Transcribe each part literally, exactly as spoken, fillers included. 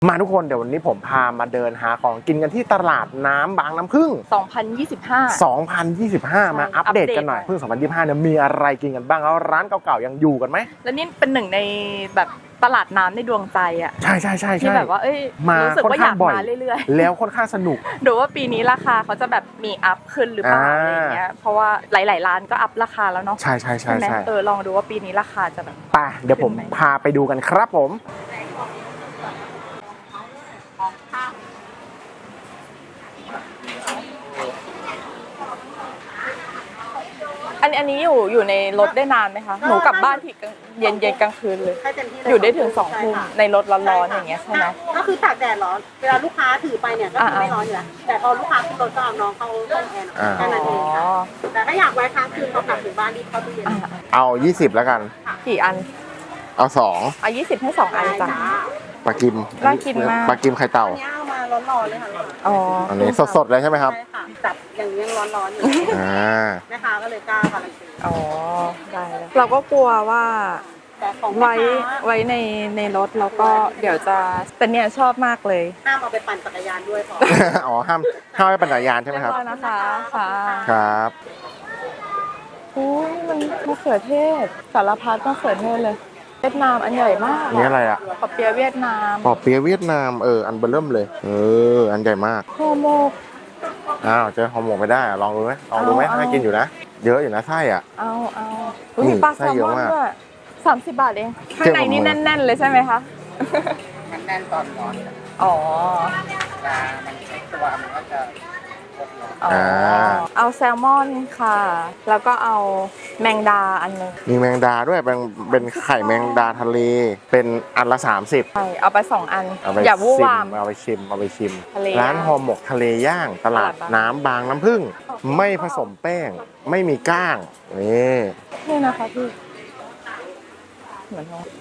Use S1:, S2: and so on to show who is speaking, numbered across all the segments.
S1: มาทุกคนเดี๋ยววันนี้ผมพามาเดินหาของกินกันที่ตลาดน้ำบางน้ำผึ้ง
S2: สองพันยี่สิบห้า
S1: สองพันยี่สิบห้า มาอัปเดตกันหน่อยพึ่งสองพันยี่สิบห้าเนี่ยมีอะไรกินกันบ้างแล้วร้านเก่าๆยังอยู่กันไหม
S2: และนี่เป็นหนึ่งในแบบตลาดน้ำในดวงใจอ่ะ
S1: ใช่ใช่ใช่
S2: ที่แบบว่าเอ้ยรู้สึกว่าอยากมาเรื่อย
S1: ๆแล้วค่อนข้างสนุก
S2: ดูว่าปีนี้ราคาเขาจะแบบมีอัพขึ้นหรือเปล่าอะไรเงี้ยเพราะว่าหลายๆร้านก็อัพราคาแล้วเนาะ
S1: ใช่ใช่ใช่ใช่
S2: เออลองดูว่าปีนี้ราคาจะแบบ
S1: ไปเดี๋ยวผมพาไปดูกันครับผม
S2: อันอันนี้อยู่อยู่ในรถได้นานไหมคะหนูกลับบ้านที่เย็นเย็นกลางคืนเลยอยู่ได้ถึงสองทุ่มในรถร้อนๆอย่างเงี้ยใช่ไหม
S3: ก็คือตากแดดร้อนเวลาลูกค้าถือไปเนี่ยก็คือไม่ร้อนอยู่แล้วแต่พอลูกค้าขึ้นรถก็เอาน้องเข้าห้องแอร์แค่นั้นเองค่ะแต่ถ้าอยากไว้ค้างคืนพอกลับถึงบ้านรีบเข้าตู้เย็น
S1: เอายี่สิบแล้วกัน
S2: กี่อัน
S1: เอาสอง
S2: เอายี่สิบให้สองอันจ้ะ
S1: ปลากิม
S2: น่ากินมาก
S1: ปลากิมไข่เต่า
S3: อันนี้เอามาร้อนๆเลยค่ะ
S2: อ๋อ
S1: อันนี้สดๆเลยใช่ไหมครับ
S3: ใช่ค่ะจับอย่างนี้ยังร้อนๆอยู่
S1: อ่า
S3: แม่ค้าก็เลยกล้าการันตี
S2: อ๋อได้เราก็กลัวว่าไว้ไว้ในในรถแล้วก็เดี๋ยวจะแต่เนี่ยชอบมากเลย
S3: ห้ามเอาไปปั่นจักรยานด้วยพอ
S1: อ๋อห้ามห้ามไปปั่นจักรยานใช่ไหมครับ
S2: นะคะค่ะ
S1: ครับ
S2: โอ้ยมันมะเขือเทศสารพัดมะเขือเทศเลยเวียดนามอันใหญ่มาก
S1: นี่อะไรอ่ะ
S2: ปอเปี๊ยะเวียดนาม
S1: ปอเปี๊ยะเวียดนามเอออันเบอร์เริ่มเลยเอออันใหญ่มาก
S2: ห่อหมก
S1: อ้าวเจอห่อหมกไม่ได้ลองดูไหมลองดูไหมน่ากินอยู่นะเยอะอยู่นะไส้อ่ะ
S2: เอาเอามีปลาแซลมอนด้วยสามสิบบาทเองข้างในนี่แน่นๆเลยใช่ไหมคะ
S3: มันแน่นตอนร้อน
S2: อ๋อ
S3: ปลามันใช้ตัวมันก็จะ
S2: อ๋อเอาแซลมอนค่ะแล้วก็เอาแมงดาอันนึง
S1: มีแมงดาด้วยเป็นเป็นไข่แมงดาทะเลเป็นอันละสามสิบ
S2: ใช่เอาไปสองอัน
S1: อย่
S2: าวู่วาม
S1: เอาไปชิมเอาไปชิมร้านห่อหมกทะเลย่างตลาดน้ำบางน้ำผึ้งไม่ผสมแป้งไม่มีก้างนี่
S2: นี่นะคะพี่เหมือนท้อง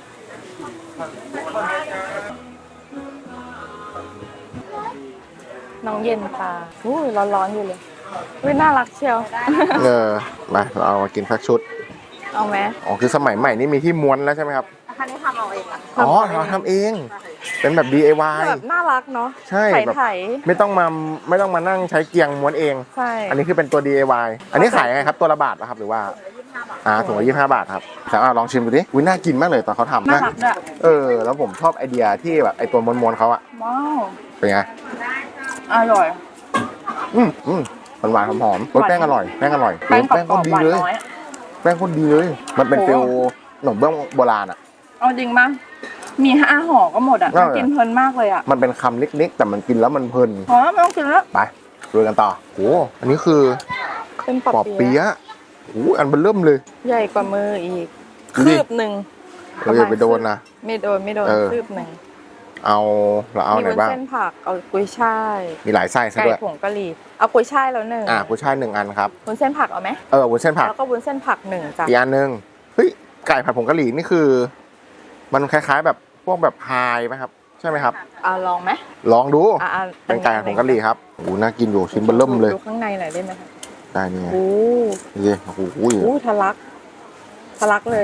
S2: น้องเย็นตาอู้ร้อนๆอยู่เลยอุ้ยน่ารักเชียว
S1: เออมาเราเอามากินสักชุด
S2: เอาไหม
S1: อ๋อคือสมัยใหม่นี่มีที่ม้วนแล้วใช่ไหมครับ
S3: อันนี้ทำเอาเอง
S1: อ๋อเราทำเองเป็นแบบ ดี ไอ วาย
S2: แบบน่ารักเนาะ
S1: ใช่
S2: แบบ
S1: ไม่ต้องมาไม่ต้องมานั่งใช้เกียงม้วนเอง
S2: ใช่
S1: อันนี้คือเป็นตัว ดี ไอ วาย อันนี้ขายยังไงครับตัวละบาทนะครับหรือว่าอ่าถุงละยี่สิบห้าบาทครับแต่อ่าลองชิมดูดิอุ้ยน่ากินมากเลยตอนเขาทำนะเออแล้วผมชอบไอเดียที่แบบไอตัวม้วนๆเขาอะ
S2: ว้าว
S1: เป็นไง
S2: อร่อย
S1: อืมอืมหวานๆหอมๆแป้งอร่อยแป้งอร่อย
S2: แป้งแป้ง
S1: คนดีเลยแป้งคนดีเลยมันเป็นฟิลขนมเบื้องโบราณอะ
S2: เอาจริงป่ะมีห้าห่อก็หมดอ่ะกินเพลินมากเลยอ่ะ
S1: มันเป็นคำเล็กๆแต่มันกินแล้วมันเพลิน
S2: อ๋อไม่ต้องกินแล้ว
S1: ไปดูกันต่อโอ้อันนี้คือ
S2: เป็นป
S1: อเปี๊ยะโอ้อันมันเริ่มเลย
S2: ใหญ่กว่ามืออีกคืบหนึ่ง
S1: เราอย่าไปโดนนะ
S2: ไม่โดนไม่โดนคืบหนึ่ง
S1: เอาเราเอาไหนบ้าง
S2: มีวุ้นเส้นผักเอากุ้ยช่าย
S1: มีหลายไส้ซะด้วย
S2: ไก่ผงกะหรี่เอากุ้ยช่ายแล้วหนึ่ง
S1: อ่ากุ้ยช่ายหนึ่งอันครับ
S2: วุ้นเส้นผักเอาไหม
S1: เออวุ้นเส้นผัก
S2: แล้วก็วุ้นเส้นผักหนึ่งจ้ะ
S1: อีกอันหนึ่งเฮ้ยไก่ผัดผงกะหรี่นี่คือมันคล้ายๆแบบพวกแบบพายไหมครับใช่ไหมครับ
S2: อ่าลองไหม
S1: ลองดู
S2: อ่า
S1: เป็นไก่ผัดผงกะหรี่ครับโอ้น่ากินอยู่ชิ้นเบอร์เริ่มเลย
S2: ดูข้างในหน่อยได้ไหมคะ
S1: ได้นี่ไง
S2: โอ้
S1: นี่โอ้โห
S2: โอ้ทะลักทะลักเลย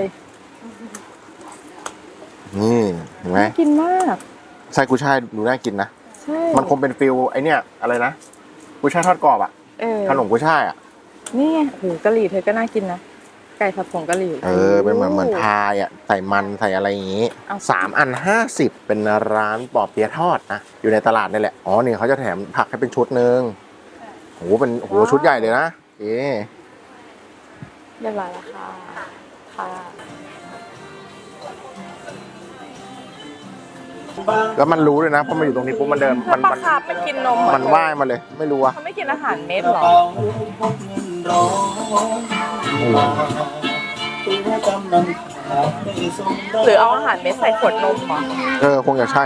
S1: นี่เห็นไหม
S2: กินมาก
S1: ไส้กุ้ยช่ายดูน่ากินนะ
S2: ใช่
S1: มันคงเป็นฟิลไอเนี้ยอะไรนะกุ้ยช่ายทอดกรอบอ่ะขนมกุ้ยช่ายอ่ะ
S2: นี่ไงโอ้กะหรี่เธอก็น่ากินนะไก่ผัดผงกะหรี่
S1: เออเป็นเหมือนเหมือนพายอ่ะใส่มันใส่อะไรอย่างงี้สามอันห้าสิบเป็นร้านปอเปี๊ยะทอดนะอยู่ในตลาดนี่แหละอ๋อนี่เขาจะแถมผักให้เป็นชุดนึงโหเป็นโหชุดใหญ่เลยนะเอ๊ะ
S2: เรียบร้อยแล้วค่ะค่ะ
S1: แล้วมันรู้เลยนะเพราะมันอยู่ตรงนี้ปุ๊บมันเดินมัน
S2: มันไปกินนม
S1: มันว่ายมาเลยไม่รู้อะ
S2: เขาไม่กินอาหารเม็ดหรอหรือเอาอาหารเม็ดใส่ขวดนมเหรอ
S1: เออคงจะใช่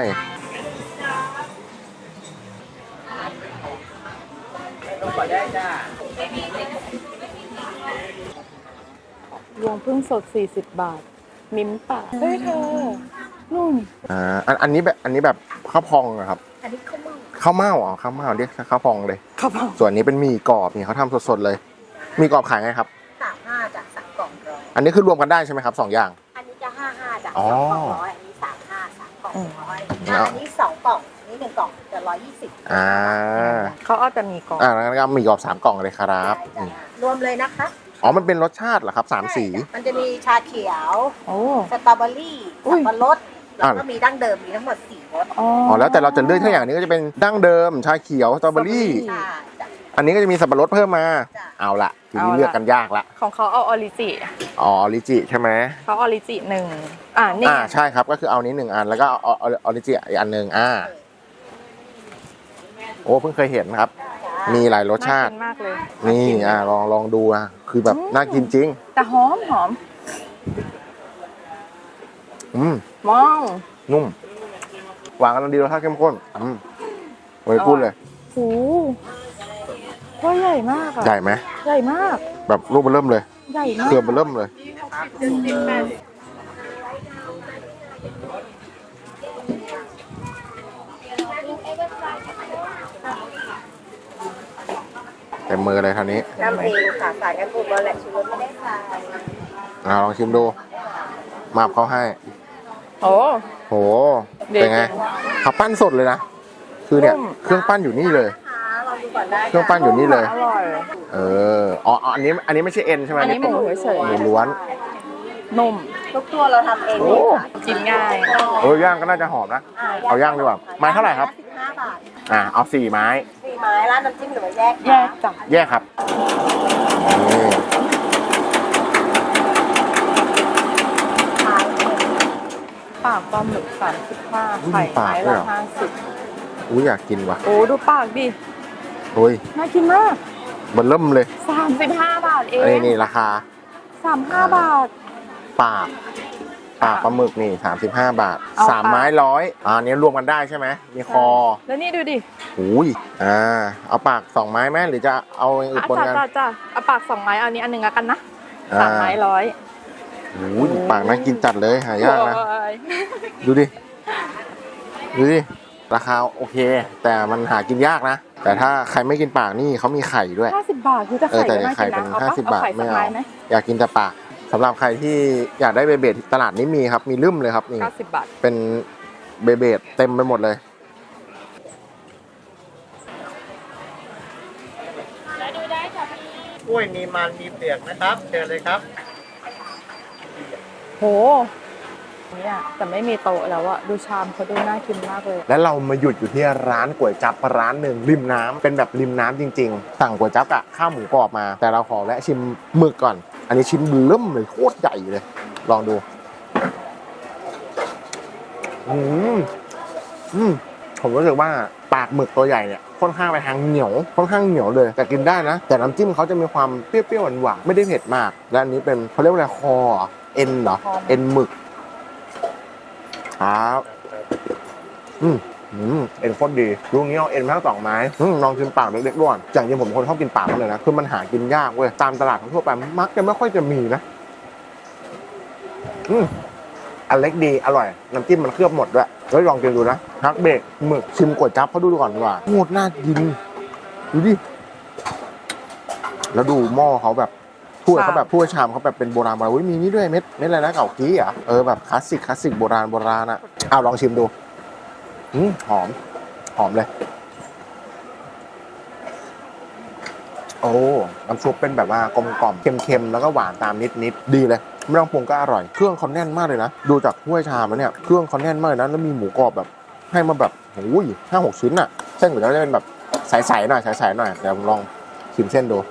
S2: รวงพึ่งสดสี่สิบบาทมิ้มป่ะเฮ้ยเธอนุ่ม
S1: อ่าอันอันนี้แบบอันนี้แบบข้าวพองอะครับ
S3: อันนี้ข้าวเม่า
S1: ข้าวเม่าอ๋อข้าวเม่าเรียกข้าวพองเลย
S2: ข้าวพอง
S1: ส่วนนี้เป็นหมี่กรอบนี่เขาทำสดๆเลยหมี่กรอบขายไงครับ
S3: สามห้าจากสามกล่องร้อย
S1: อันนี้คือรวมกันได้ใช่ไหมครับสองอย่าง
S3: อันนี้จะห้าห้าจากสองกล่องร้อยอันนี้สามห้าสามกล่องร้อยอันนี้สองกล่องนี่หนึ่งกล่องจะร้อยยี่สิบ
S1: อ่า
S2: เขาเอาแต่มีกล่อง
S1: อ่างั้นก็มีกรอบสามกล่องเลยครับอืม
S3: รวมเลยนะคะ
S1: อ๋อมันเป็นรสชาติเหรอครับสามสี
S3: มันจะมีชาเขียว
S2: โอ้
S3: สตรอเบอรี่
S2: อุ้
S3: สั
S2: ย
S3: บปะรดแล้วก็มีดั้งเดิมมีทั้งหมดสี่รส
S2: อ๋อ
S1: อ๋อแล้วแต่เราจะเลือกถ้าอย่างนี้ก็จะเป็นดั้งเดิมชาเขียวสตรอเบอรี่
S2: สตรอเบอรี่
S3: ใช่จ้ะ
S1: อันนี้ก็จะมีสับปะรดเพิ่มมา
S3: จ้ะ
S1: เอาละทีนี้เลือกกันยากละ
S2: ของเขาเอาออริจิ
S1: อ๋อลิจิใช่ไหม
S2: เขาออริจิหนึ่งอ่านี่
S1: อ่าใช่ครับก็คือเอานี้หนึ่งอันแล้วก็เอาเอาเอาออริจิอีกอันหนึ่งอ่าโอ้เพิ่งเคยเห็นครับ มีหลายรสชาติ
S2: น่กินมากเลย
S1: นี่อ่าลองลองดูอ่ะคือแบบน่ากินจริง
S2: แต่หอมหอม
S1: อืม
S2: มอง
S1: นุ่มหวานกำลังดีรสชาติเข้มข้นอืมไว้พูดเลย
S2: โอ้ว่าใหญ่มากอะ
S1: ใหญ่ไหม
S2: ใหญ่มาก
S1: แบบรูปมันเริ่มเลย
S2: ใหญ่มาก
S1: เครือมันเริ่มเลยเต็มมือเลยท่านี้
S3: น้ำเองค่ะสายกันบุกแล้วแหละชูรสไม่ได้ใส่
S1: อ่าลองชิมดูมาบเขาให้
S2: โอ้
S1: โหเป็นไงเขาปั้นสดเลยนะคือเนี่ย
S2: นุ่ม
S1: เครื่องปั้นอยู่นี่เลย
S3: นะคะลองดูก่อนได้
S1: เครื่องปั้นอยู่นี่เลย
S2: อร่อย
S1: เอออ๋ออ๋ออันนี้อันนี้ไม่ใช่เอ็นใช่ไหม
S2: อันนี้หมูเฉย
S1: หมูล้วน
S2: ๆนุ่ม
S3: ทุกตัวเราทำเอง
S1: โอ้
S3: เลยค่ะ
S2: กินง่าย
S1: เออย่างก็น่าจะหอมนะ เอาย่างดีกว่าไม้เท่าไหร่ครับ
S3: สิบห้าบาท
S1: อ่าเอาสี่ไม้
S3: สี่ไม้ร้านน้ำจิ้มหรือว่าแยกคะ
S2: แยกจ้ะ
S1: แยกครับนี่
S2: ปากปลาหมึกสามสิบห้าไข่ไม้ละห้าสิบ
S1: อุ้ยอยากกินว่ะ
S2: โอ้ดูปากดิ
S1: โอ้ย
S2: น่ากินมาก
S1: มันเริ่มเลย
S2: สามสิบห้าบาทเอ
S1: อันนี้
S2: ง
S1: นี่ราคา
S2: สามห้าบาท
S1: ปากปากปลาหมึกนี่สามสิบห้าบาท
S2: เอา
S1: สาม
S2: ปาก
S1: ไม้ร้อยอ่าอันนี้รวมกันได้ใช่ไหมมีคอ
S2: แล้วนี่ดูดิ
S1: อุ้ยอ่าเอาปากสองไม้ไหมหรือจะเอาอย่างอื่น
S2: อ่ะ
S1: ปน
S2: จ้า
S1: กัน
S2: จ้าจ้าเอาปากสองไม้เอาอันนี้อันหนึ่งแล้วกันนะ
S1: อ่า
S2: สามไม้ร้อย
S1: อุ้ยปากน่ากินจัดเลยหายากนะ
S2: โอ้ย
S1: ดูดิ ดูดิ ราคาโอเค แต่มันหากินยากนะ แต่ถ้าใครไม่กินปากนี่เขามีไข่ด้วย
S2: ห้าสิบบาทคือจะ
S1: เออ
S2: ไข่
S1: แต่
S2: ก็น่า
S1: ไข่
S2: กิน
S1: เป็น
S2: นะเอา
S1: ห้า
S2: ปะ
S1: สิบ
S2: เอา
S1: บาท
S2: ไข่
S1: ไม่
S2: สัก
S1: เอา
S2: ไม้ไหม
S1: อยากกินแต่ปากสำหรับใครที่อยากได้เบเบดตลาดนี้มีครับ มีลืมเลยครับนี่
S2: เก้าสิบบาท
S1: เป็นเบเบดเต็มไปหมดเลย
S4: กล้วยมีมันมีเปลือกนะครับเชิญเลยครับ
S2: โหเนี่ยแต่ไม่มีโต๊ะแล้วอะดูชามเขาดูน่ากินมากเลย
S1: แล้วเรามาหยุดอยู่ที่ร้านก๋วยจั๊บร้านหนึ่งริมน้ำเป็นแบบริมน้ำจริงๆ สั่งก๋วยจั๊บอะข้าวหมูกรอบมา แต่เราขอแวะชิมหมึกก่อน อันนี้ชิ้นเริ่มเลยโคตรใหญ่เลย ลองดู อืมอืมผมรู้สึกว่าปากหมึกตัวใหญ่เนี่ยค่อนข้างไปทางเหนียวค่อนข้างเหนียวเลย แต่กินได้นะ แต่น้ำจิ้มเขาจะมีความเปรี้ยวๆหวานๆไม่ได้เผ็ดมาก และอันนี้เป็นเขาเรียกว่าอะไรคอเหรอเอ็นเหรอเอ็นหมึกครับ อืมอืมเอ็นโคตรดีลูกนี้เอาเอ็นมาทั้งสองไม้อืมลองกินปากเล็กๆด้วยอย่างจริงผมเป็นคนชอบกินปากมากเลยนะคือมันหากินยากเว้ยตามตลาดทั่วไปมักจะไม่ค่อยจะมีนะอืมอันเล็กดีอร่อยน้ำจิ้มมันเคลือบหมดด้วยเฮ้ยลองกินดูนะฮักเบรกหมึกชิมก๋วยจั๊บเขาดูก่อนดีกว่าโคตรน่ากินดูดิแล้วดูหม้อเขาแบบถ้วยเขาแบบถ้วยชามเขาแบบเป็นโบราณโบราณอุ้ยมีนี่ด้วยเม็ดเม็ดอะไรนะเก่ากี้อ่ะเออแบบคลาสสิกคลาสสิกโบราณโบราณอ่ะเอาลองชิมดูอืมหอมหอมเลยโอ้น้ำซุปเป็นแบบว่ากลมกล่อมเค็มๆแล้วก็หวานตามนิดๆดีเลยไม่ต้องปรุงก็อร่อยเครื่องเขาแน่นมากเลยนะดูจากถ้วยชามแล้วเนี่ยเครื่องเขาแน่นมากเลยนะแล้วมีหมูกรอบแบบให้มาแบบโอ้ยห้าหกชิ้นอ่ะเส้นก๋วยจั๊บจะเป็นแบบใสๆหน่อยใสๆหน่อยเดี๋ยวลองชิมเส้นดู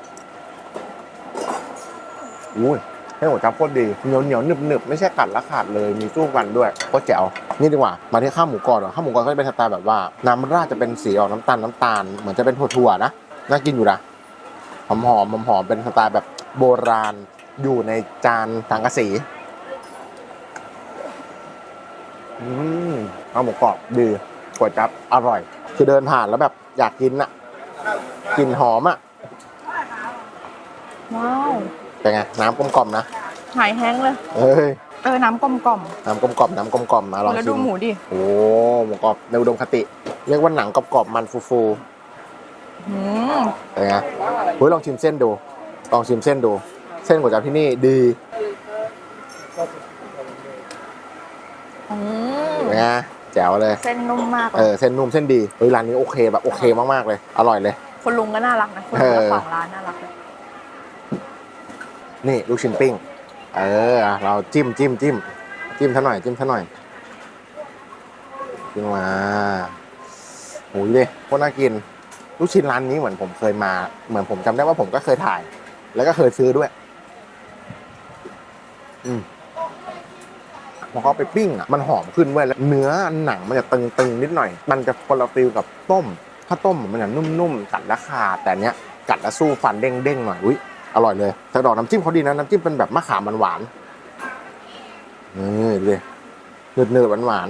S1: อุ้ยให้หัวจั๊บโคตรดีเหนียวเหนียวหนึบหนึบไม่ใช่กัดและขาดเลยมีสู้กันด้วยโคตรแจ๋วนี่ดีกว่ามาที่ข้าวหมูกรอบเหรอข้าวหมูกรอบก็จะเป็นสไตล์แบบว่าน้ำราดจะเป็นสีออกน้ำตาลน้ำตาลเหมือนจะเป็นถั่วๆนะน่ากินอยู่นะหอมหอมหอมหอมเป็นสไตล์แบบโบราณอยู่ในจานสังกะสีอืมข้าวหมูกรอบดีก๋วยจั๊บอร่อยคือเดินผ่านแล้วแบบอยากกินอะกลิ่นหอมอะ
S2: ว้าว
S1: เป็นไงน้ำกลมกล่อมนะ
S2: หายแห้งเลย
S1: เอ้ย
S2: เออน้ำกลมกล่อม
S1: น้ำกลมกล่อมน้ำกลมกล่อมมาลอง
S2: แล้ว
S1: ชิ
S2: ดู
S1: ม
S2: หมูดิ
S1: โอ้หมูกรอบในอุดมคติ เรียกว่าหนังกรอบๆมันฟู
S2: อืม
S1: ๆเป็นไงเฮ้ยลองชิมเส้นดูลองชิมเส้นดู เส้นก๋วยจั๊บที่นี่ดี
S2: อืม
S1: เป็นไงแแจ๋วเลย
S2: เส้นนุ่มมาก
S1: เออเส้นนุ่มเส้นดีเฮ้ยร้านนี้โอเคแบบโอเคมากๆเลยอร่อยเลย
S2: คนลุงก็น่ารักนะคนลุงเจ้าของร้านน่ารักเลย
S1: นี่ลูกชิ้นปิ้งเออเราจิ้มจิ้มจิ้มจิ้มท่าหน่อยจิ้มท่าหน่อยจิ้มมาโอ้ยเลยโคตรน่ากินลูกชิ้นร้านนี้เหมือนผมเคยมาเหมือนผมจำได้ว่าผมก็เคยถ่าย แล้วก็เคยซื้อด้วยอืมพอเขาไปปิ้งอ่ะมันหอมขึ้นเว้ยแล้วเนื้อหนังมันจะตึงๆนิดหน่อยมันจะคนละฟิลกับต้มถ้าต้มมันจะนุ่มๆกัดแล้วขาดแต่เนี้ยกัดแล้วสู้ฟันเด้งๆหน่อยอุ้ยอร่อยเลยแต่ดอกน้ำจิ้มเขาดีนะน้ำจิ้มเป็นแบบมะขามหวานๆนี่เลยเนื้อเนื้อหวาน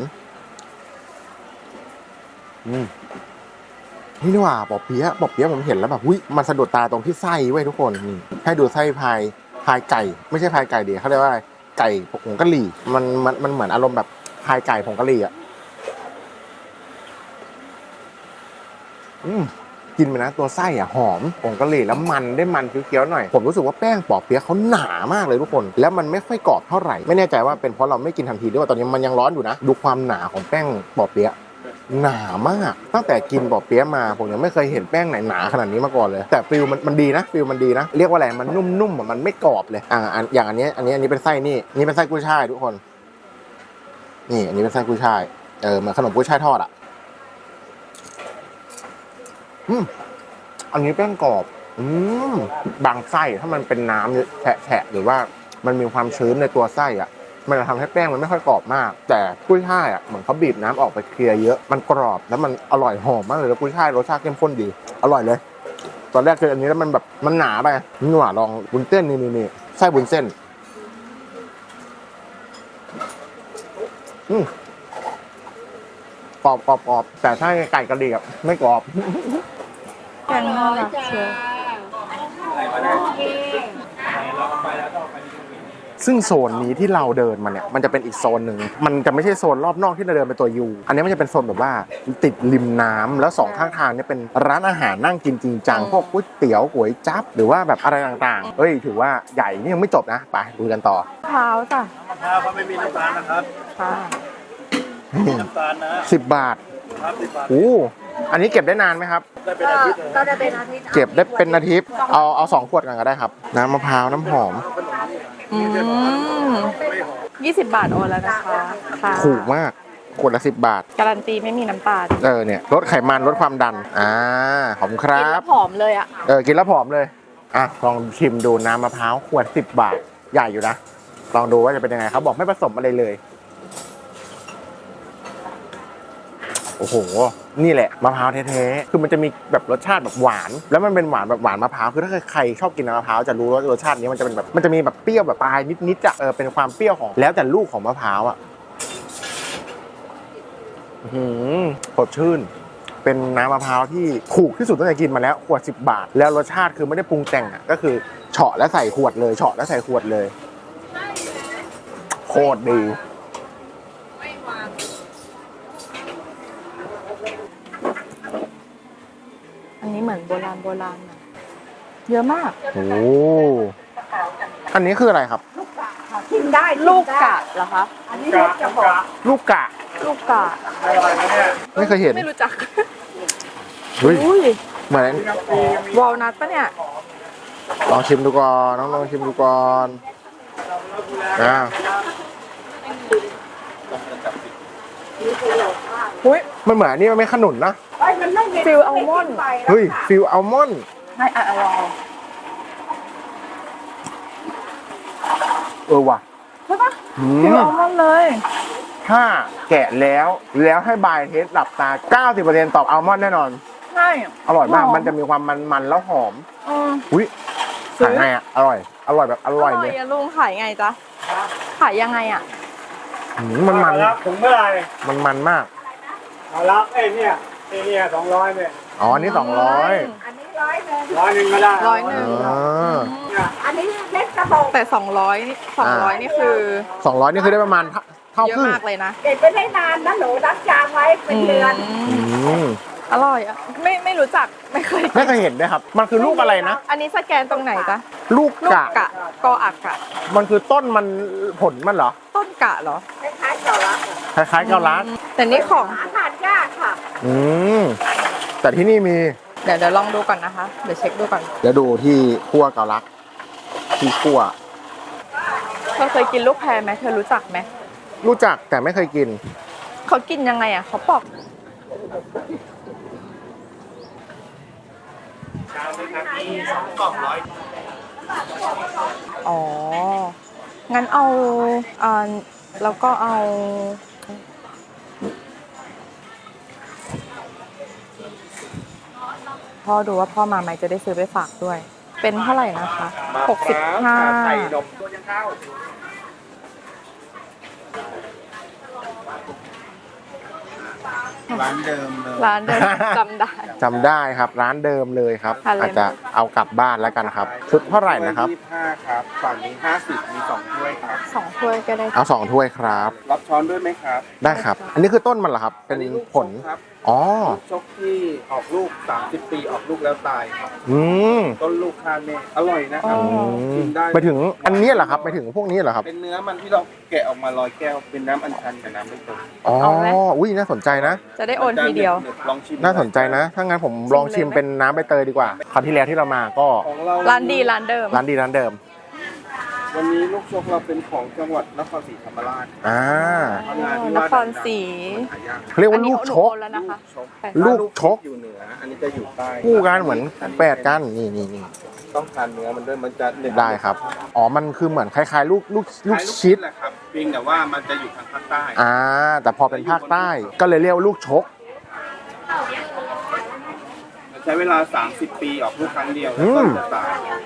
S1: ๆอืมนี่นี่ว่าปอเปี๊ยะปอเปี๊ยะผมเห็นแล้วแบบอุ้ยมันสะดุดตาตรงที่ไส้เว้ยทุกคนนี่ให้ดูไส้พายพายไก่ไม่ใช่พายไก่ดิเขาเรียกว่าไก่ผงกะหรี่มันมันมันเหมือนอารมณ์แบบพายไก่ผงกะหรี่อ่ะอืมกินไปนะตัวไส้อ่ะหอมผงกะหรี่แล้วมันได้มันเคี้ยวๆหน่อยผมรู้สึกว่าแป้งปอเปี๊ยะเขาหนามากเลยทุกคนแล้วมันไม่ค่อยกรอบเท่าไหร่ไม่แน่ใจว่าเป็นเพราะเราไม่กินทันทีด้วยว่าตอนนี้มันยังร้อนอยู่นะดูความหนาของแป้งปอเปี๊ยะหนามากตั้งแต่กินปอเปี๊ยะมาผมยังไม่เคยเห็นแป้งไหนหนาขนาดนี้มาก่อนเลยแต่ฟิลมันมันดีนะฟิลมันดีนะเรียกว่าอะไรมันนุ่มๆมันไม่กรอบเลยอ่าอย่างอันนี้อันนี้อันนี้เป็นไส้นี่นี่เป็นไส้กุ้ยช่ายทุกคนนี่อันนี้เป็นไส้กุ้ยช่ายเออเหมือนขนมกุ้ยช่ายทอดอ่ะอืมอันนี้แป้งกรอบอืมบางไส้ถ้ามันเป็นน้ำแฉะๆหรือว่ามันมีความชื้นในตัวไส้อ่ะมันจะทำให้แป้งมันไม่ค่อยกรอบมากแต่กุ้ยช่ายอ่ะเหมือนเขาบีบน้ำออกไปเคลียร์เยอะมันกรอบแล้วมันอร่อยหอมมากเลยแล้วกุ้ยช่ายรสชาติเข้มข้นดีอร่อยเลยตอนแรกคืออันนี้แล้วมันแบบมันหนาไปนี่หว่าลองบุญเส้นนี่นี่นี่ไส้บุญเส้นอืมกรอบกรอบกรอบแต่ถ้าไก่กระดิ่งอ่ะไม่กรอบ
S2: แกงน่ารักเชียว
S1: ซึ่งโซนนี้ที่เราเดินมาเนี่ยมันจะเป็นอีกโซนหนึ่งมันจะไม่ใช่โซนรอบนอกที่เราเดินไปตัวยูอันนี้มันจะเป็นโซนแบบว่าติดริมน้ำแล้วสองข้างทางเนี่ยเป็นร้านอาหารนั่งกินจริงจังพวกก๋วยเตี๋ยวก๋วยจั๊บหรือว่าแบบอะไรต่างๆเอ้ยถือว่าใหญ่นี่ยังไม่จบนะไปดูกันต่อ
S2: เท้าจ้ะ
S4: มะพร้าวเขาไม่มีน้ำตาลนะครับ
S2: ค่ะ
S4: น้ำตาลนะ
S1: สิบบาท
S4: ครับสิบบาท
S1: โอ้อันนี้เก็บได้นานไหมครับ
S4: ได้เป็นอาทิตย์เลย
S3: ก็จะเป็นอาทิตย์
S1: เก็บได้เป็นอาทิตย์เอาเอาสองขวดกันก็ได้ครับน้ำมะพร้าวน้ำหอม
S2: อืมยี่สิบบาทโอนแล้วนะคะค่ะ
S1: ถูกมากขวดละสิบบาท
S2: การันตีไม่มีน้ำตาล
S1: เออเนี่ยลดไขมันลดความดันอ่าขอบคุณค
S2: กิน
S1: รั
S2: แล้
S1: บ
S2: วหอมเลยอ่ะ
S1: เออกินแล้วผอมเลยอ่ะลองชิมดูน้ำมะพร้าวขวดสิบบาทใหญ่อยู่นะลองดูว่าจะเป็นยังไงเขาบอกไม่ผสมอะไรเลยโอ้โหนี่แหละมะพร้าวแท้ๆคือมันจะมีแบบรสชาติแบบหวานแล้วมันเป็นหวานแบบหวานมะพร้าวคือถ้าใครชอบกินน้ำมะพร้าวจะรู้ว่ารสชาตินี้มันจะเป็นแบบมันจะมีแบบเปรี้ยวแบบปลายนิดๆอ่ะเออเป็นความเปรี้ยวของแล้วแต่ลูกของมะพร้าวอ่ะอืมสดชื่นเป็นน้ำมะพร้าวที่ถูกที่สุดตั้งแต่กินมาแล้วขวดสิบบาทแล้วรสชาติคือไม่ได้ปรุงแต่งอ่ะก็คือเฉาะแล้วใส่ขวดเลยเฉาะแล้วใส่ขวดเลยโคตรดี
S2: อันนี้เหมือนโบราณโบราณนะเยอะมาก
S1: โอ้อันนี้คืออะไรครับ
S3: กินได้
S2: ลูกกะเหรอคะ
S3: อันนี้ลูกจะบอก
S1: ลูกกะ
S2: ลูกกะ
S4: อะไรนะเนี่ย
S1: ไม่เคยเห็น
S2: ไม่รู้จัก
S1: เฮ้ย
S2: อุ้ย
S1: เหมือน
S2: วอลนัทปะเนี่ย
S1: ลองชิมดูก่อนน้องลองชิมดูก่อนอ่า
S2: อุ้ย
S1: มันเหมือนอันนี่มันไม่ขนุนนะ
S3: ไอ้มันไม่มี
S2: ฟิลอัลมอนด์
S1: เฮ้ยฟิลอัลมอนด์
S2: ให้อ่ะลอง
S1: เออว่ะ
S2: ใช่ปะ
S1: อื
S2: ฟิล
S1: ม
S2: อัลมอนด์เลย
S1: ถ้าแกะแล้วแล้วให้บายเทสหลับตา เก้าสิบเปอร์เซ็นต์ ตอบอัลมอนด์แน่นอน
S2: ใช่
S1: อร่อยมาก
S2: หอม
S1: มันจะมีความมันๆแล้วหอม
S2: อืม
S1: อุ้ย
S2: ซื้อ
S1: ขายไงอ่ะ อร่อย อร่อยแบบอร่อยเลย
S2: อะลุงขายไงจ๊ะขายยังไงอ่ะ
S1: อืมมันมัน
S4: รับถุงเมื่อไหร่
S1: มันมันมาก
S4: เอารับเอ้ยเนี่ยไอ้เนี่ยสองร้อยเนี่ย
S1: อ๋ออันนี้สองร้อย
S3: อันนี้ร้อยหนึ่ง
S4: ร้อยหนึ่งก็ได้
S2: ร้อยหนึ่ง
S1: อ่า
S3: อันนี้เล็กกระบอก
S2: แต่สองร้อยสองร้อยนี่คือ
S1: สองร้อยนี่คือได้ประมาณเท่า
S2: เยอะ
S1: ครึ่ง
S2: มากเลยนะ
S3: เก็บไปได้นานนะหนูรักจางไว้เป็นเดือน
S1: อืม
S2: อร่อยอ่ะไม่ไม่รู้จักไม่เคยกิน
S1: ไม่เคยเห็นด้วยครับ มันคือลูกอะไรนะ
S2: อันนี้สแกนตรงไหนจ๊ะ
S1: ลูก
S2: ลูก
S1: กะ
S2: กะกออักกะ
S1: มันคือต้นมันผลมันเหรอ
S2: ต้นกะเหรอ
S3: คล้ายๆเกาลัด
S1: คล้ายๆเกาลัด
S2: แต่นี่ของ
S3: หาทานยากค่ะ
S1: อืมแต่ที่นี่มี
S2: เดี๋ยวเดี๋ยวลองดูก่อนนะคะ เดี๋ยวเช็คดูก่อน
S1: เดี๋ยวดูที่คั่วเกาลัดที่คั่ว
S2: เธอเคยกินลูกแพรไหมเธอรู้จักไหม
S1: รู้จักแต่ไม่เคยกิน
S2: เขากินยังไงอ่ะเขาปอก
S4: ชามนะครับมีสองกล่องร้อย
S2: อ๋อ งั้นเอาอ่าแล้วก็เอา พ่อดูว่าพ่อมาไหมจะได้ซื้อไปฝากด้วย เป็นเท่าไหร่นะคะหกสิบห้า
S4: ไข่นมตัวยังเข้า ร้านเดิมเลย
S2: ร้านเดิมจำได้
S1: จำได้ครับร้านเดิมเลยครับ
S2: ทานเลย
S1: อาจจะเอากลับบ้านแล้วกันครับ ชุดเท่าไหร่นะครับ
S4: ยี่สิบห้าครับ ฝั่งนี้ห้าสิบมีสองถ้วยครับ
S2: สองถ้วยก็ได้
S1: เอาสองถ้วยครับ
S4: รับช้อนด้วยไหมครับ
S1: ได้ครับ อันนี้คือต้นมันเหรอครับ เป็น
S4: อัลูก
S1: ผล
S4: ชกครับ
S1: อ๋อ
S4: ลูกชกที่ออกลูกสามสิบปีออกลูกแล้วตายครับ
S1: อืม
S4: ต้นลูกคาเมอร่อยนะครับ กินได้
S1: ไปถึงอันนี้เหรอครับไปถึงพวกนี้เหรอครับ
S4: เป็นเนื้อมันที่เราแกะออกมาลอยแก้ว เป็นน้ำอัญชันกับน้ำใบเตย
S1: อ๋อ
S2: เอาไหม
S1: อุ้ยน่าสนใจนะ
S2: จะได้โอนทีเดียว
S4: ลองชิม
S1: น่าสนใจนะ ถ้างั้นผมลองชิมเป็นน้ำใบเตยดีกว่า คราวที่แล้วที่เรามาก็
S4: ของเรา
S2: ร้านดีร้านเดิม
S1: ร้านดีร้านเดิม
S4: วันนี้ลูกชกเราเป็นของจังหวัดนครศรีธรรมราช
S1: อ่า
S4: ทำงานที่
S2: น
S4: ว่า
S2: ครศรี
S4: หายาก
S1: เขาเรียกว่า
S2: อันนี้
S1: ลูกชก
S2: หนูโอนแล้วนะคะ
S1: ลูกชก
S4: อยู่เหนือ อันนี้จะอยู่ใต้
S1: คู่กันเหมือนแปดกันนี่นี่นี่
S4: ต้องทานเนื้อมันด้วยมันจะหนึบ
S1: ได้ครับ อ๋อ มันคือเหมือนคล้ายๆ ลูกลูกลูก
S4: คล้าย
S1: ชิด
S4: แหละครับเพียงแต่ว่ามันจะอยู่ทางภาคใต้
S1: อ่า แต่พอเป็นภาคใต้ก็เลยเรียกว่าลูกชก
S4: ใช้เวลา สามสิบ ปีออกลูกครั้งเดียว
S1: อื
S4: แล้ว
S1: ม
S4: ก็จะตาย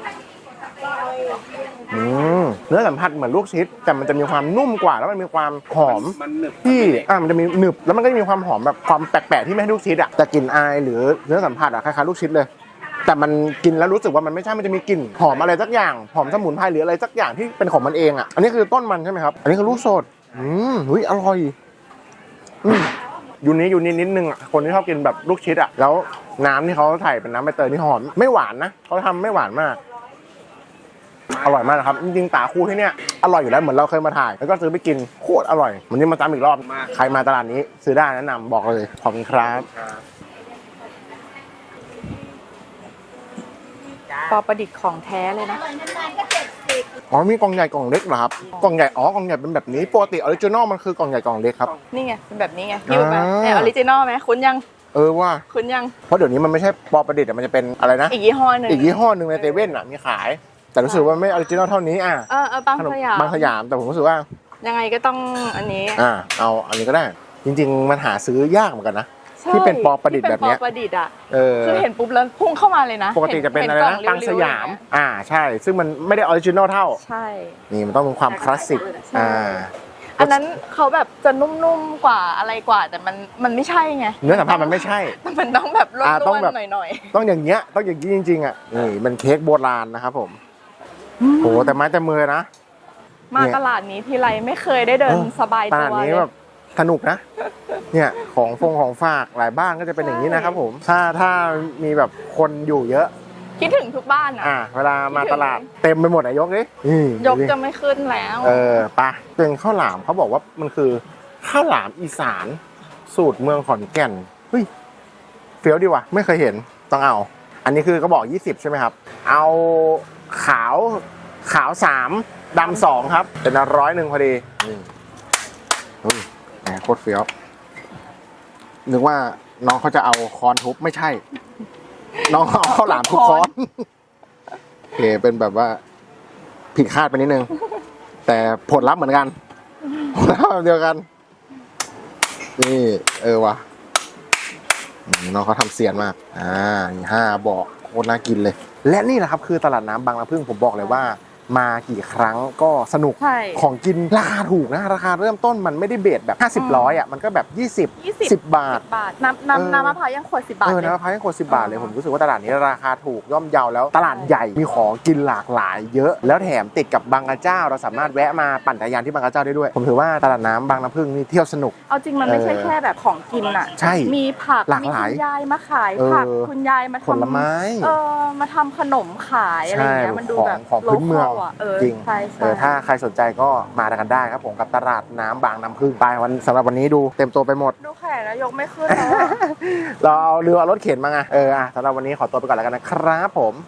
S1: อืมเนื้อสัมผัสเหมือนลูกชิด แต่มันจะมีความนุ่มกว่าแล้วมันมีความหอม
S4: มันหนึบ
S1: ที่อ่ามันจะมีหนึบแล้วมันก็จะมีความหอมแบบความแปลกๆที่ไม่ให้ลูกชิดอ่ะแต่กลิ่นอายหรือเนื้อสัมผัสอ่ะคล้ายๆลูกชิดเลย แต่มันกินแล้วรู้สึกว่ามันไม่ใช่มันจะมีกลิ่นหอมอะไรสักอย่างหอมสมุนไพรหรืออะไรสักอย่างที่เป็นของมันเองอ่ะอันนี้คือต้นมันใช่ไหมครับอันนี้คือลูกสดอืมอุ้ยอร่อยอืมอยู่นี้อยู่นี้นิดนึงอ่ะคนที่ชอบกินแบบลูกชิดอ่ะแล้วน้ำที่เขาใส่เป็นน้ำใบเตยนี่หอมไม่หวานนะเขาทำไม่หวานมาก อร่อยมากนะครับจริงๆตาคู่ที่เนี่ยอร่อยอยู่แล้วเหมือนเราเคยมาถ่ายแล้วก็ซื้อไปกินโคตรอร่อยวันนี้มาตามอีกรอบใครมาตลาดนี้ซื้อได้แนะนำบอกเลยขอบคุณครับ
S4: ครับ
S2: ปอประดิษฐ์ของแท้เลยนะ
S1: อ๋อมีกล่องใหญ่กล่องเล็กเหรอครับกล่องใหญ่อ๋อกล่องใหญ่เป็นแบบนี้ปกติออริจินอลมันคือกล่องใหญ่กล่องเล็กครับ
S2: นี่ไงเป็นแบบนี้ไงหิ้วไป
S1: อ่า
S2: เนี่ยออริจินอลไหมคุณยัง
S1: เออว่า
S2: คุณยัง
S1: เพราะเดี๋ยวนี้มันไม่ใช่ปอประดิษฐ์อะมันจะเป็นอะไรนะ
S2: อีกยี่ห้อหนึ่ง
S1: อีกยี่ห้อหนึ่งในเซเว่นอ่ะมีขาย แต่รู้สึกว่าไม่ออริจินอลเท่านี้อ่ะ
S2: เออเออบาง
S1: ขนม
S2: สยาม
S1: บางสยามแต่ผมรู้สึกว่า
S2: ยังไงก็ต้องอันนี้
S1: อ่าเอาอันนี้ก็ได้ จริง ๆ มันหาซื้อยากเหมือนกันนะ
S2: ใช่
S1: ที่เป็นปอประดิษฐ์แบบเนี้ย
S2: ที่เป็นปอประดิษฐ์อ่ะ
S1: เออ
S2: คือเห็นปุ๊บแล้วพุ่งเข้ามาเลยนะ
S1: ปกติจะเป็นอะไร
S2: ห็
S1: นะ
S2: กล่
S1: ปังสยาม
S2: ริ้วๆอเงี้
S1: อ่าใช่ ซึ่งมันไม่ได้ออริจินอลเท่า
S2: ใช่
S1: นี่มันต้องมีความคลาสสิก
S2: ใช่
S1: อ่า
S2: อันนั้นเขาแบบจะนุ่มๆกว่าอะไรกว่า แต่มันมันไม่ใช่ไง
S1: เนื้อสัมผัสมันไม่ใช่
S2: มันต้องแบบร่
S1: อ่าต้อง
S2: วน
S1: แบบ
S2: ๆหน่อย
S1: ต้องอย่างเงี้ย ต้องอย่างนี้จริงๆอ่ะ นี่มันเค้กโบราณนะครับผมโอ้แต่ไม้แต่มือนะ
S2: ๆ มาตลาดนี้ทีไรไม่เคยได้เดิน
S1: เออ
S2: สบาย
S1: ต
S2: ตั
S1: ลาด
S2: ว
S1: นี้
S2: เลย
S1: แบบสนุกนะ เนี่ยของฟงของฝากหลายบ้านก็จะเป็นอย่างนี้นะครับผม ถ้าถ้ามีแบบคนอยู่เยอะ
S2: คิดถึงทุกบ้านอ่ะ
S1: อ่า เวลามาตลาดเต็มไปหมดอะยกดินี่
S2: ยก
S1: ดูดิ
S2: จะไม่ขึ้นแล้ว
S1: เออไปะเป็นข้าวหลามเขาบอกว่ามันคือข้าวหลามอีสานสูตรเมืองขอนแก่นเฮ้ยเฟี้ยวดีว่ะไม่เคยเห็นต้องเอา อันนี้คือก็บอกยี่สิบใช่ไหมครับ เอาขาวขาวสามดำสองครับเป็นร้อยหนึ่งพอดีนี่อุ้ยแหมโคตรเฟี้ยวนึกว่าน้องเขาจะเอาคอนทุบไม่ใช่ น้องเขาเอาข้าวหลามทุบคอนโอเคเป็นแบบว่าผิดคาดไปนิดนึง แต่ผลลัพธ์เหมือนกันผลลัพธ์แบบเดียวกัน นี่ เออวะอืมน้องเขาทำเสียนมาก อ่านี่ห้าบอกโคตรน่ากินเลย และนี่แหละครับคือตลาดน้ำบางละพึ่งผมบอกเลยว่ามากี่ครั้งก็สนุก
S2: ใช่
S1: ของกินราคาถูกนะราคาเริ่มต้นมันไม่ได้เบสแบบห้าสิบ
S2: อืม
S1: ร้อยอ่ะมันก็แบบยี่สิบ
S2: ยี่สิบ
S1: สิบบาท
S2: บาทน้ำน้ำ
S1: เออ
S2: น้ำมะพร้าวยังขวดสิบบาท
S1: เออ
S2: เลย
S1: น้ำมะพร้าวยังขวดสิบบาทเลย
S2: อ๋อ
S1: ผมรู้สึกว่าตลาดนี้ราคาถูกย่อมเยาแล้วตลาดใหญ่มีของกินหลากหลายเยอะ แล้วแถมติดกับบางกระเจ้า เราสามารถแวะมาปั่นจักรยานที่บางกระเจ้าได้ด้วย ผมถือว่าตลาดน้ำบางน้ำพึ่งนี่เที่ยวสนุก
S2: เอาจริงมันไม่ใช่
S1: เออ
S2: แค่แบบของกินอ่ะ
S1: ใช่
S2: มีผัก
S1: หลาก
S2: มี
S1: หลาย
S2: คุณยายมาขาย
S1: เออ
S2: ผักคุณยายมาทำ
S1: ผลไม้
S2: เออมาทำขนมขายอะไรอย่างเงี้ยมันดู
S1: ของ
S2: แบบ
S1: ของพื้นเมือง
S2: โลคอลอะเออ
S1: จริง
S2: ใช่
S1: เออ
S2: ใช่
S1: ถ้าใครสนใจก็มากันได้ครับผมกับตลาดน้ำบางน้ำพึ่งไปวันสำหรับวันนี้ดูเต็มตัวไปหมด
S2: ดูแขนแล้วยกไม่ขึ้นแล้วอะ
S1: เราเอาเรือเอารถเข็นมาไงเอออ่ะสำหรับวันนี้ขอตัวไปก่อนแล้วกันนะครับผม